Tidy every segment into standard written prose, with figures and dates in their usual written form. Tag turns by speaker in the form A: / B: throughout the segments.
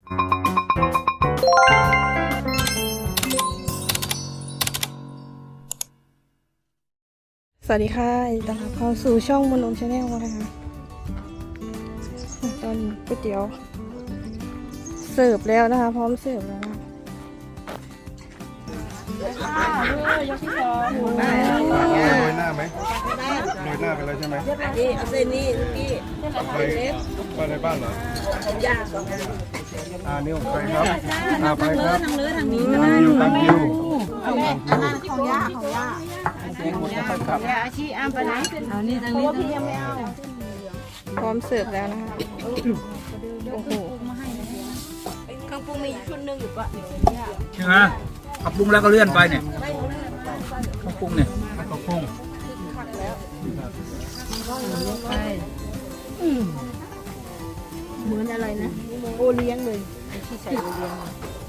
A: สวัสดีค่ะต้อนรับเข้าสู่ช่องมนมชาแนลนะคะตอนนี้ก๋วยเตี๋ยวเสิร์ฟแล้วนะคะพร้อมเสิร์ฟแล้วนะยกที่สองโร
B: ยหน้าไหมโรยหน้าไปเลยใช่ไหม
C: นี่เอาเส้นนี้พี่
B: ไปในบ้านเหร
C: ย่าง
B: นี่ผมไปครับไปครับ
C: ทางเลือทางนี้
B: ตามคิว
C: ของย่าอาชีอ้ามไปไหนเอานี่ทางนี้พี่ยังไม่เอา
A: พร้อมเสิร์ฟแล้วนะคะโอ้โห
C: เครื่องปรุงมีชุดหนึ่งอยู่ปะ
D: ใช่ไหมขับปรุงแล้วก็เลื่อนไปเนี่ยขับปรุงเนี่ย
B: ต้องพุ่ง
C: เหมือนอะไรนะโอเลี้ยงเลยที่ใส่โอเลี้ยง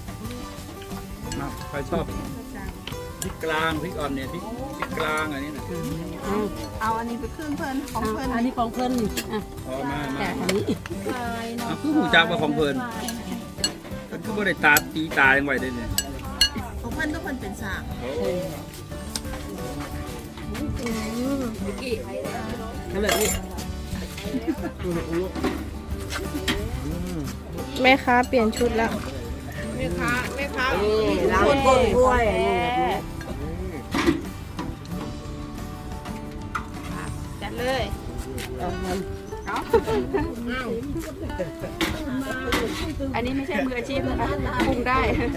D: ใครชอบพริกกลางพริกอ่อนเนี่ยพริกกลางอันนี้นะ
C: เอาอันนี้ไปครึ่งเพิ่นของเพิ่นอันนี้ของเพิ่นอ่ะ
D: พอมา
C: แต่อันนี้
D: คือหูจักว่าของเพลินก็คือบ่ได้ตาตีตายังไหวได้เนี่ย
C: ของเพิ่นต้องเพิ่นเป็นสากนั่นแหละนี่
A: แม่ค้าเปลี่ยนชุดแล้ว
C: แม่ค้าล้างก้นถ้วยจัดเลยอันนี้ไม่ใช่มืออาชีพนะคะปรุงได้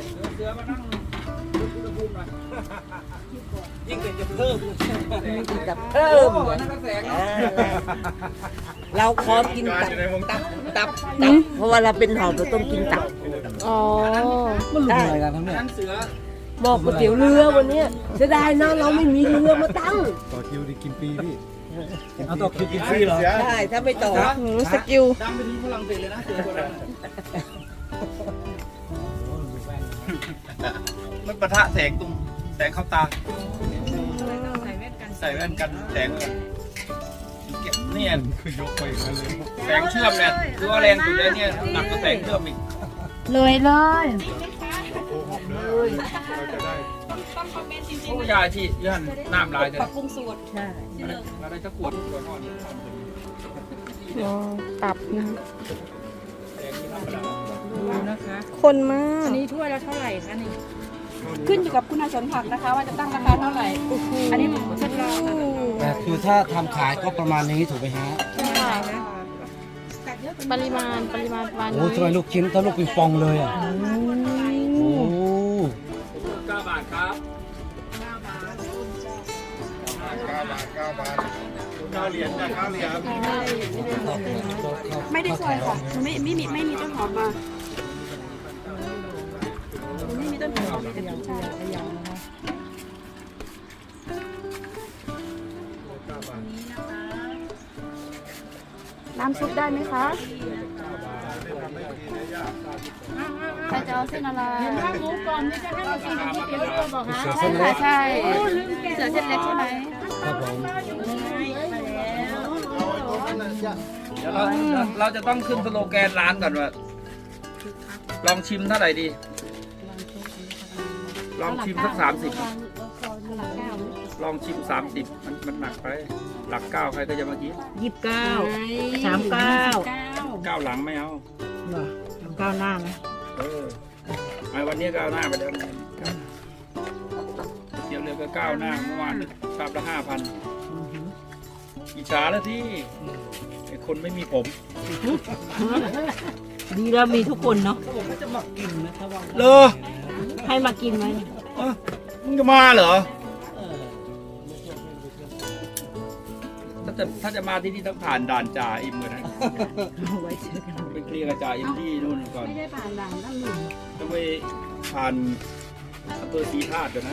D: ยิ่งเป็นจะเพิ่ม
C: กับเพิ่มเราขอกินตับเพราะว่าเราเป็นหอบเราต้องกินตับ
A: อ๋อ
D: มันรู้อะไรกันทั้งนี้เสือ
C: บอกก๋วยเตี๋ยวเรือวันนี้เสียดายนะเราไม่มีเรือมาตั้ง
B: ต่อคิวดีกินปีพี่
D: เอาต่อคิวกินฟรีเหรอ
C: ใช่ถ้าไม่ต่อ
A: หนูสกิล
D: ดังไปที่ฝรั่งเศสเลยนะเสือคนนั้นมันปะทะแสงตรงแสงเข้าตาใส่แว่นกันแสงเก็บเนี่ย
B: คือยกไปอย่างนั้นเลย
D: แสงเชื่อมเนี่ยคือว่าแรงสุดเลยเนี่ยหนักก็แสงเชื่อมอีก
C: เลยเลย
D: โอ้ยาชียันน้ำลายเลย
C: ปรับปรุงสูตรใช่
D: อะไรจะขวดทอด
A: อ๋อตับนะคะ
C: ดูนะคะ
A: คนมาก
C: อันนี้ถ้วยละเท่าไหร่คะนี่ขึ้นอยู่กับคุณสมบัตินะคะ ว่าจะตั้งราคาเท่าไหร่อันนี้ผมทดลองนะ
E: แต่คือถ้าทำขายก็ประมาณนี้ถูกไหมฮะ
A: ปริมาณประมาณ
E: โอ้ทำไมลูกชิ้นถ้าลูกปิงปองเลยอ่ะ โอ้
D: 9 บาทครับ
B: 9 เหรียญจ้ะ9 เหรียญ
C: ไม่ได้ซอยค่ะไม่มีต้นหอมมาไม่มีต้นหอมมีแต่ต้นชาน้ำซุปได้ไหมคะใครจะเอาเส้นอะไรเห็นว่าหมูก่อนนี่จะให้เรากินก๋วยเตี๋ยวตัวบอกฮะใช่ค่ะใช่เสือเส้นเล็กใช่ไหม
E: ครับผม
D: เดี๋ยวเราจะต้องขึ้นสโลแกนร้านก่อนว่าลองชิมเท่าไหร่ดี ลองชิมสัก30ลองชิม30มันหนักไปหลัก9ใครก็จะมากิน
C: 29 39
D: 9หลังไม่เอา
C: 9หน้าไหม
D: ไอ้วันนี้9หน้าไปแล้วเที่ยวเรือก็9หน้าเมื่อวานชามละ5,000อิจฉาแล้วที่ไอ้คนไม่มีผม
C: ดีแล้วมีทุกคนเนาะ
D: เลอ
C: ให้มากินไหม
D: มึงจะมาเหรอถ้าจะมาที่นี่ต้องผ่านด่านจ่าอิมก่อนนะ
C: ไว้เจอกัน
D: ไปเคลียร์กับจ่าอิมที่นู่นก่อน
C: ไม่ได้ผ่านด่านนั่นหนึ่ง
D: ต้องไปผ่านอำเภอศรีธาตุก่อนนะ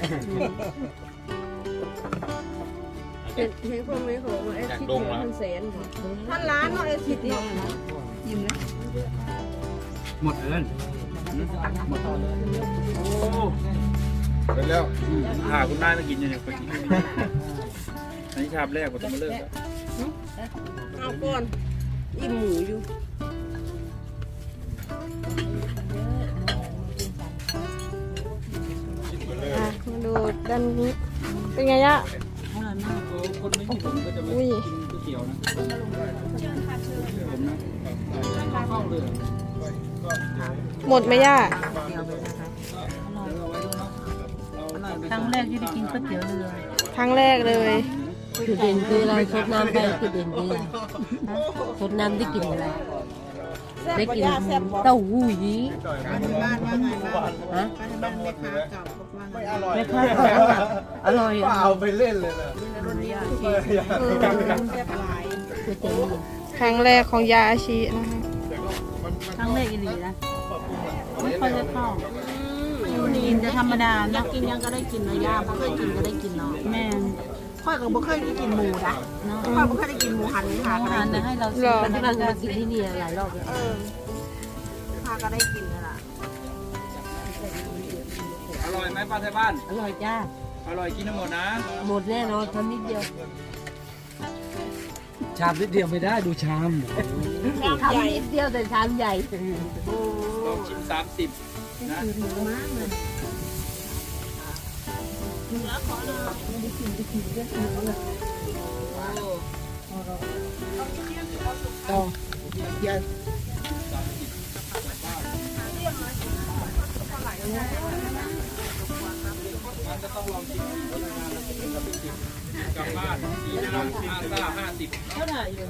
C: เห็นพวกนี้ของไอ้ทิศเนี่ยมันแสนท่านร้านเนาะไอ้ทิศเนี่ยยิ้มนะ
D: หมดเลยหมดโอ้
B: ไปแล้ว
D: คุณนายมากินอยู่เนี่ยไปกินอันนี้ชามแรกผมต้องมาเลิกแล้ว
C: เอาก่อนอิ่มหมูอยู่
A: อันนี้ เป็นไงย่า
D: คนไม่มีผมก็จะไม่
A: อุ้ย
D: กินก๋วยเตี๋ยวนะผมนะเข้าเลย
A: หมดไหมย่า
C: ครั้งแรกที่ได้กินก๋วยเตี๋ยวเรือ
A: ครั้งแรกเลย
F: จุดเด่นคืออะไรซดน้ำไปจุดเด่นคืออะไรซดน้ำได้กินอะไรได้กินเต้าหู้ยี้
G: บ้านว่าไงบ้าง
F: ฮะ
G: บ้านแม่ค้าเก่าบอกว่าไง
F: แม่ค้าบอกว่าอร่อยอ่ะ
B: เอาไปเล่นเลยนะ
F: ก๋วยเตี๋ยว
A: ครั้งแรกของยาอาชีนะคะ
C: ครั้งแรกอีหลีนะไม่ค่อยได้เข้ากินจะธรรมดา
G: อยากกินยังก็ได้กินนะย่าบ่เคยกินก็ได้กินเนาะ
C: แม่น
G: ค่อยก็บ่เคยได้กินหมูนะค่อยบ่เคยได้กินหมูหันค่ะก็ได้
C: ทาน
G: กิน
C: ให้เรา
A: หรอ
F: ที่เรามากินที่นี่หลายรอบแล้ว
G: ค่ะก็ได้กินนั่นล่ะ
D: อร่อยไหมป้าไทยบ้าน
F: อร่อยจ้า
D: อร่อยกินทั้งหมดนะ
F: หมดแน่นอนทำนิดเดียว
E: ชามนิดเดียวไม่ได้ดูชาม
F: ทำนิดเดียวแต่ชามใหญ่
D: ลองชิม30นะมันจะต้องลองชิมกลับบ้านดีนะ50เท่าไหร่อยู่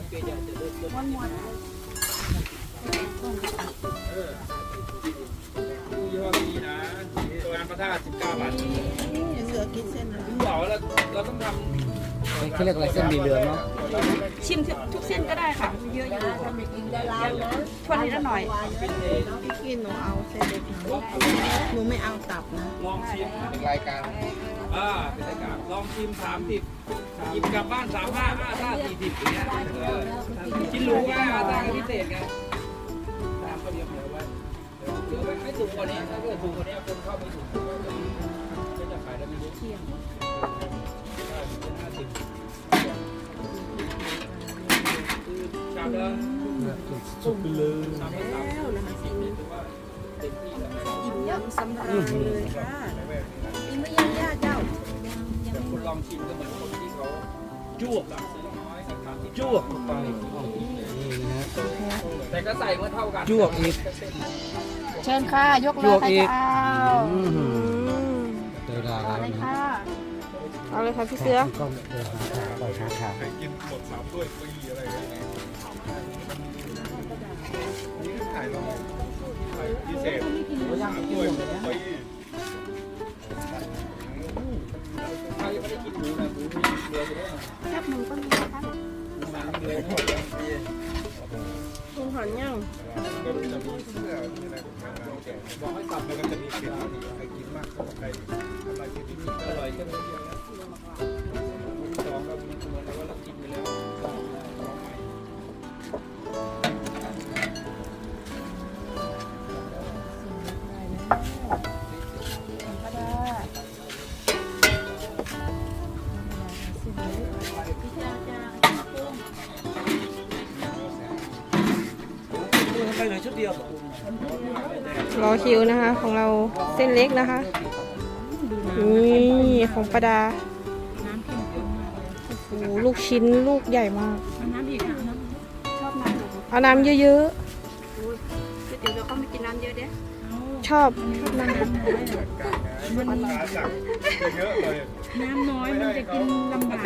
D: ยี่ห้อนี้นะตัวงานพระธาตุ19 บาท
G: เสือกินเส้นนะ
D: เปล่าเราต้องทำ
E: เขาเรียกอะไรเส้นหมี่เหลืองเนาะ
C: ชิมทุกเส้นก็ได้ค่ะ เยอะอยู่ชวนนิดละหน่อย
G: พี่กินหนูเอาเส้นเล็กหนูไม่เอาตับนะ
D: ลองชิม
B: เป็นรายการ
D: เป็นรายการลองชิม30หยิบกลับบ้าน35 50 40อย่างเงี้ยกินรู้ไงอาจารย์พิเศษไงตามก็เดียวเหลือไว้เดี๋ยวไม่ถูกกว่านี้ถ้าเกิดถูกกว่านี้คนเข้าไม่ถูกก็จะขายได้ไม่เยอะเที่ยงชามเดิม
E: สุดไปเลย
D: ชามละ30ถือว่าเต็มที่แล้ว
G: อิ่มยำสำราญเลยค่ะอิ่มไม่ยังย่าเจ้า
D: แต่คุณลองชิมก็เหมือนคนที่เขาจ้วกอะซื้อน้อยกับทานที่
E: จ้วกเข้าไปนี่นะฮะ
D: แต่ก็ใส่เมื่อเท่ากัน
E: จ้วกอีก
C: เชิญค่ะ ยกเล
E: จ้
C: ยว
E: ก
C: ใคร
E: อี
C: จะ
E: ก
C: เอา
E: อืม
A: อืม
E: เจอดาแล้ว
C: เลย
E: นะ
C: ค่ะ
A: เอาเลยค่ะพี่เสือ
E: ก็เดินหาทางปล่อยหาทาง
B: ไปกินหมด3ถ้วยฟรีอะไรอย่างเงี้ยนี่ถ่ายลงพิเศษ3ถ้วยฟรี
D: ใครไม่ได้กินหมูนะหมูมีเกลืออยู่ด้วย
C: แคบหมูก็มีนะคะ
D: หมูหมันเกลือหมดเลย
A: คุณหันยัง
B: ก็จะมีเสื้อมีอะไรของมันนะแกบอกให้ตับแล้วก็จะมีเกล็ดใครกินมากก็ใครอะไรกินที่นี่
D: อร่อยแค่มื้อเดียวนะมื้อที่สองเราเหมือนกับว่าเรากินไปแล้วลองใหม่
E: ทำไมเหลือชุดเดียว
A: รอคิวนะคะ ของเราเส้นเล็กนะคะ นี่ของประดา
C: น้ำเข้มข้นมากเลย
A: โอ้โหลูกชิ้นลูกใหญ่มาก
C: เอาน้ำอีกค่ะน้ำชอบน้ำเหรอ
A: เอาน้ำเยอะ
C: ก๋วยเตี๋ยวเราก็ไม่กินน้ำเยอะเด้
A: ๆ ชอบน้ำ
B: มันขาสั่งเยอะเลย
C: น้ำน้อยมันจะกินลำบาก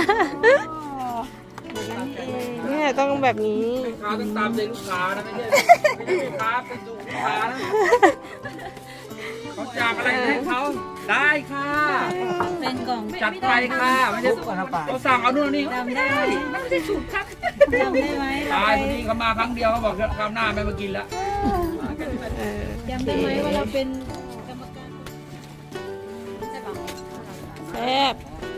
A: เนี่ยต้องแบบนี้
D: ลูกค้าต้องตามใจลูกค้านะไม่ใช่ลูกค้าเป็นดูลูกค้านะเขาอยากอะไรให้เขาได้ค่ะ
C: เป็นกล่อง
D: จัดไปค่ะไม่ใช่เขาสั่งเอานู่นนี่
C: จำได้ไหมไม่ได้สูตรครับจำได้ไหม
D: ตายวันนี้เขามาครั้งเดียวเขาบอกคราวหน้าไม่มากินแล้ว
C: จำได้ไหมว่าเราเป็นกรรมการ
A: แซ่บ